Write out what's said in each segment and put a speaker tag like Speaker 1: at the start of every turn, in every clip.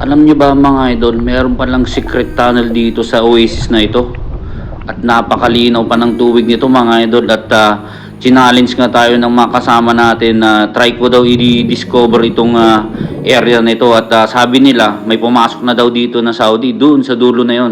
Speaker 1: Alam nyo ba mga idol, meron palang secret tunnel dito sa oasis na ito. At napakalinaw pa ng tubig nito mga idol. At challenge nga tayo ng mga kasama natin na try ko daw i-discover itong area na ito. At sabi nila may pumasok na daw dito na Saudi doon sa dulo na yon.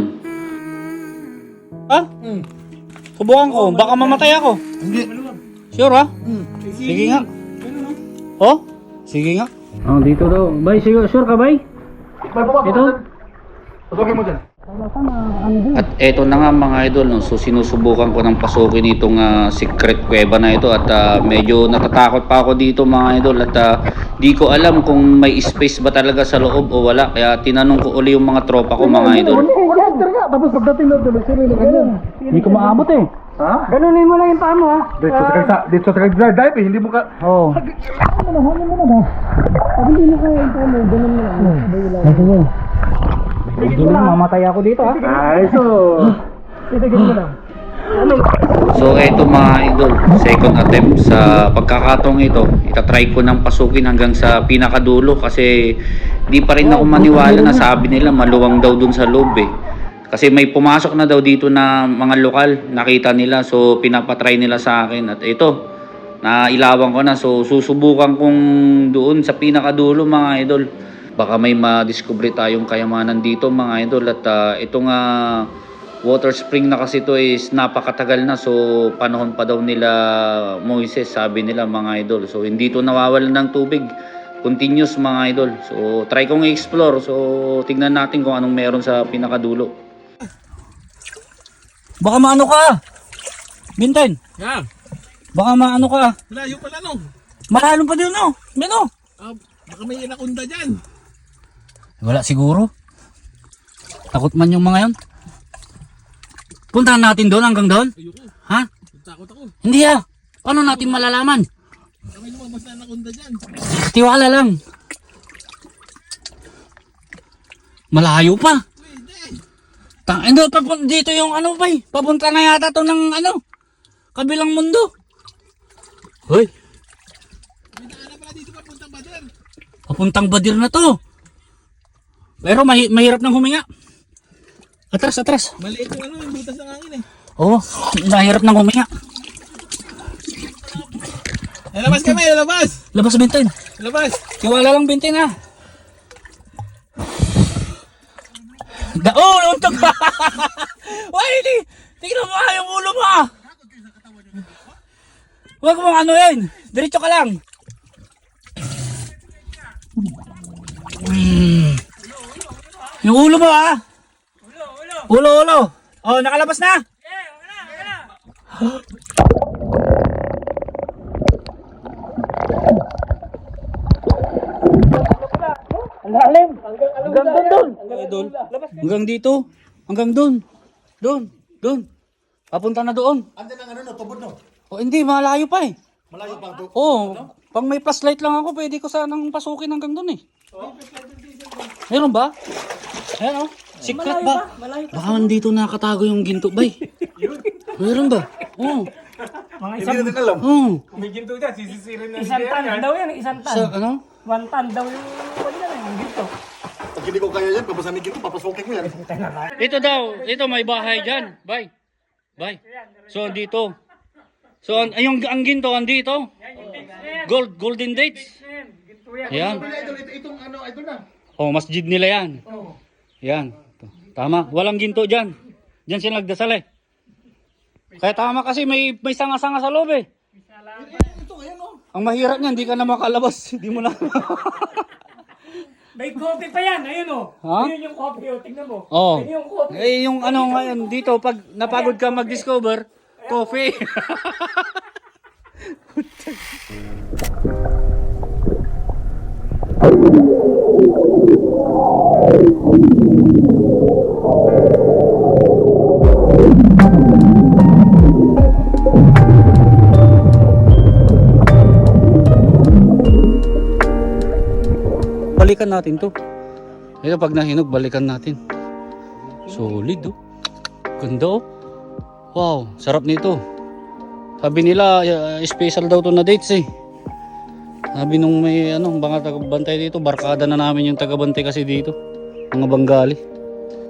Speaker 1: Ha? Subukan ko, baka mamatay ako.
Speaker 2: Hindi.
Speaker 1: Sure ha? Sige nga. Oh? Sige nga. Oh, dito daw. Bay, sure ka bay? Ito?
Speaker 2: Pasukin mo dyan.
Speaker 1: At eto na nga mga idol, no? So sinusubukan ko ng pasukin itong secret kuweba na ito. At medyo natatakot pa ako dito mga idol. At di ko alam kung may space ba talaga sa loob o wala. Kaya tinanong ko uli yung mga tropa ko mga idol.
Speaker 2: Tapos pagdating na doon, sino yung ganyan?
Speaker 1: Hindi ko maabot eh.
Speaker 2: Ha?
Speaker 3: Ganunin mo lang yung paa mo ha.
Speaker 2: Dito sa kag-drive eh, hindi mo ka...
Speaker 1: Oo.
Speaker 3: Hangin mo na ba? Pag hindi mo kaya yung paa mo, ganun mo lang.
Speaker 1: Sige. Hindi na mamatay ako dito ha.
Speaker 2: Ay, so...
Speaker 3: Itigil mo lang.
Speaker 1: So eto mga idol, second attempt sa pagkakataong ito. Itatry ko ng pasukin hanggang sa pinakadulo kasi di pa rin ako maniwala na sabi nila maluwang daw dun sa loob eh. Kasi may pumasok na daw dito na mga lokal, nakita nila, so pinapatry nila sa akin. At ito, nailawan ko na, so susubukan kong doon sa pinakadulo mga idol. Baka may madiscover tayong kayamanan dito mga idol. At itong water spring na kasi ito is napakatagal na, so panahon pa daw nila Moises, sabi nila mga idol. So hindi ito nawawalan ng tubig, continuous mga idol. So try kong i-explore, so tignan natin kung anong meron sa pinakadulo. Baka maano ka? Binten.
Speaker 4: Yan.
Speaker 1: Baka maano ka?
Speaker 4: Malayo pala no.
Speaker 1: Malalim pa din no? Meno.
Speaker 4: Baka may inakunda dyan.
Speaker 1: Wala siguro. Takot man yung mga yon. Puntahan natin doon hanggang doon?
Speaker 4: Ayoko.
Speaker 1: Ha?
Speaker 4: Takot ako.
Speaker 1: Hindi ah. Paano natin malalaman?
Speaker 4: Baka may lumabas na inakunda dyan.
Speaker 1: Tiwala lang. Malayo pa. Endo, dito yung ano pa eh. Papunta na yata to ng ano, kabilang mundo. Hoy,
Speaker 4: May daanan pala dito papuntang Bader.
Speaker 1: papuntang Badir na to. Pero mahirap nang huminga. Atras.
Speaker 4: Maliit yung ano, yung butas ng hangin eh.
Speaker 1: Oo, mahirap nang huminga.
Speaker 4: Lalabas kami, lalabas.
Speaker 1: Labas Binten.
Speaker 4: Lalabas.
Speaker 1: Tiwala lang Binten ha. Untog. Wait, tingnan mo yung ulo mo ah. Huwag mong ano yun. Diretso ka lang. Yung ulo mo ah. Ulo. Oh, nakalabas na. Ang lalim. Hanggang doon. Hanggang dito. Hanggang doon. Doon. Papunta na doon.
Speaker 2: Andiyan ang ano no, tubod no?
Speaker 1: Oh, hindi, malayo pa eh.
Speaker 2: Malayo pa ito.
Speaker 1: Oh, pang may flashlight lang ako, pwede ko sanang pasukin hanggang doon eh. Meron ba? Ayan oh. Secret ba? Baka nandito nakatago yung ginto bay. Meron ba? Oo.
Speaker 2: Hindi natin alam.
Speaker 1: Oo.
Speaker 4: May ginto dyan, sisisirin na
Speaker 3: Isang tan daw yan, isang tan.
Speaker 1: Sa ano?
Speaker 3: 1 tan daw yung wala yan, yung dito.
Speaker 2: Pag hindi ko kaya yan, papasamigin ko, papasukin mo yan.
Speaker 1: Ito daw, ito may bahay diyan. Bay. So dito. So ang ginto andito. Golden dates. Yan.
Speaker 2: Itong ano, ito na.
Speaker 1: Oh, masjid nila yan. Yan. Tama, walang ginto diyan. Diyan sila nagdasal eh. Kaya tama kasi may sanga-sanga sa loob eh.
Speaker 2: Ito, ayan o.
Speaker 1: Ang mahirap niyan, hindi ka na makalabas. Hindi mo na.
Speaker 3: May coffee pa yan, ayun o.
Speaker 1: Ha?
Speaker 3: Ayun yung coffee o, tignan mo.
Speaker 1: Oh.
Speaker 3: Ayun yung coffee.
Speaker 1: Eh yung ano ngayon dito pag napagod ka mag-discover, coffee. Balikan natin to. Ito pag nahinog, balikan natin. Solid oh. Ganda oh. Wow, sarap nito. Sabi nila, special daw to na dates eh. Sabi nung may mga taga-bantay dito, barkada na namin yung taga-bantay kasi dito. Mga Bengali.